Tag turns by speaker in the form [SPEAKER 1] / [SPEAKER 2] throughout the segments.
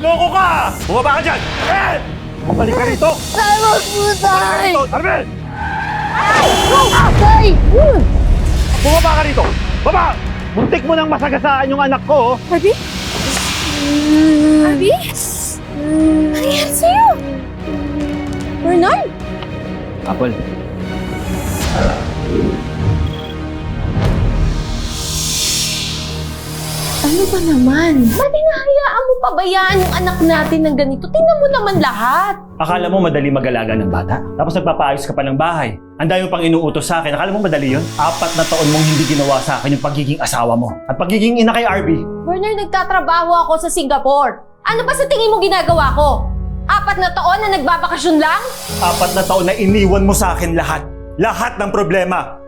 [SPEAKER 1] Loko ka! Bumaba ka dyan! Eh! Bumalik ka rito!
[SPEAKER 2] Tawag po, tay!
[SPEAKER 1] Arvin!
[SPEAKER 2] Tay!
[SPEAKER 1] Bumaba ka rito! Baba! Muntik mo nang masagasaan yung anak ko!
[SPEAKER 3] Harvey? Harvey? Ano nangyari sa'yo? Bernard?
[SPEAKER 1] Apple.
[SPEAKER 3] Ano ba naman? Ba't hinahayaan mo pabayaan yung anak natin ng ganito? Tingnan mo naman lahat.
[SPEAKER 1] Akala mo madali mag-alaga ng bata? Tapos nagpapaayos ka pa ng bahay. Ang dami pang inuutos sa akin. Akala mo madali yun? 4 na taon mong hindi ginawa sa akin yung pagiging asawa mo. At pagiging ina kay Arby.
[SPEAKER 3] Bernard, nagtatrabaho ako sa Singapore. Ano ba sa tingin mo ginagawa ko? 4 na taon na nagbabakasyon lang?
[SPEAKER 1] 4 na taon na iniwan mo sa akin lahat. Lahat ng problema.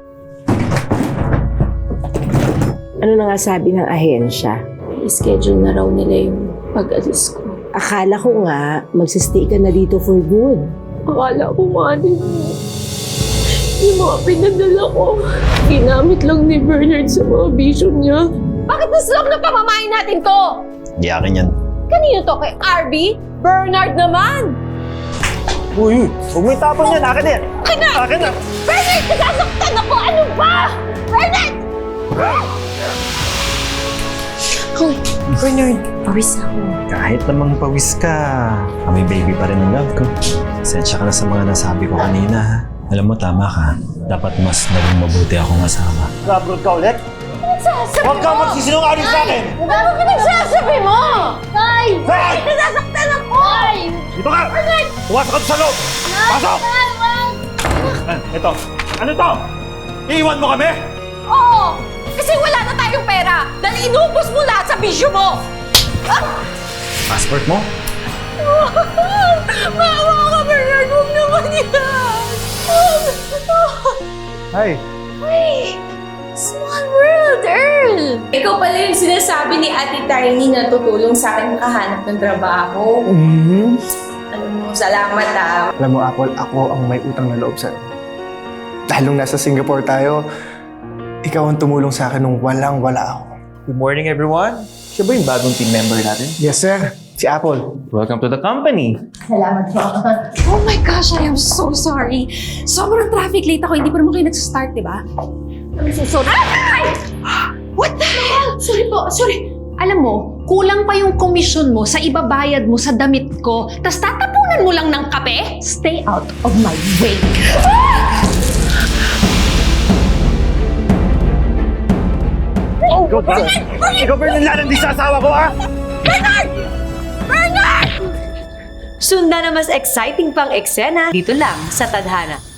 [SPEAKER 4] Ano na nga sabi ng ahensya?
[SPEAKER 3] I-schedule na raw nila yung pag-alis ko.
[SPEAKER 4] Akala ko nga, magsistay ka na dito for good.
[SPEAKER 3] Akala ko nga din yung mga pinadala ko, ginamit lang ni Bernard sa mga vision niya. Bakit naslok na pamamain natin to?
[SPEAKER 1] Di akin yan.
[SPEAKER 3] Kanino to? Kay Arby? Bernard naman!
[SPEAKER 1] Uy, huwag mo itapon yan. Akin yan.
[SPEAKER 3] Akin na!
[SPEAKER 1] Akin na.
[SPEAKER 3] Bernard! Nasasaktan ako! Ano ba? Bernard! Hoy, Bernard, pawis ako.
[SPEAKER 5] Kahit namang pawis ka, kami baby pa rin ang love ko. Sensya ka na sa mga nasabi ko kanina, ha? Alam mo, tama ka. Dapat mas naging mabuti akong asawa.
[SPEAKER 1] Nag-abroad ka ulit?
[SPEAKER 3] Nagsasabi
[SPEAKER 1] Huwag ka magsisinungaling sa akin!
[SPEAKER 3] Ano ka nagsasabi mo? Tay!
[SPEAKER 1] Tay!
[SPEAKER 3] Nasasaktan ako! Tay!
[SPEAKER 1] Dito ka! Pumasok ka sa loob! Pasok! Ito. Ano to? Iiwan mo kami?
[SPEAKER 3] Oo! Kasi wala na tayong pera dahil inubos mo lahat sa bisyo mo!
[SPEAKER 5] Passport mo?
[SPEAKER 3] Maawa ka, Bernard! Huwag naman yan!
[SPEAKER 5] Ay,
[SPEAKER 3] Ay! Small world, Earl! Ikaw pala yung sinasabi ni Ate Tiny na tutulong sa akin makahanap ng trabaho. Alam mo, salamat ah.
[SPEAKER 6] Alam mo, Apple, ako ang may utang na loob sa'yo. Dahil nung nasa Singapore tayo, ikaw ang tumulong sa akin nung walang-wala ako.
[SPEAKER 7] Good morning, everyone. Siya ba yung bagong team member natin?
[SPEAKER 6] Yes, sir. Si Apple.
[SPEAKER 7] Welcome to the company.
[SPEAKER 3] Salamat po.
[SPEAKER 8] Oh my gosh, I am so sorry. Sobrang traffic late ako. Hindi pa naman kayo nag-start, di ba?
[SPEAKER 3] I'm so sorry. Ay!
[SPEAKER 8] What the hell? Sorry po, sorry. Alam mo, kulang pa yung komisyon mo sa ibabayad mo sa damit ko, tas tatapunan mo lang ng kape? Stay out of my way.
[SPEAKER 1] Ikaw ba? Ikaw ba yung nilalandi sa asawa ko, ha?
[SPEAKER 9] Sundan na mas exciting pang eksena dito lang sa Tadhana.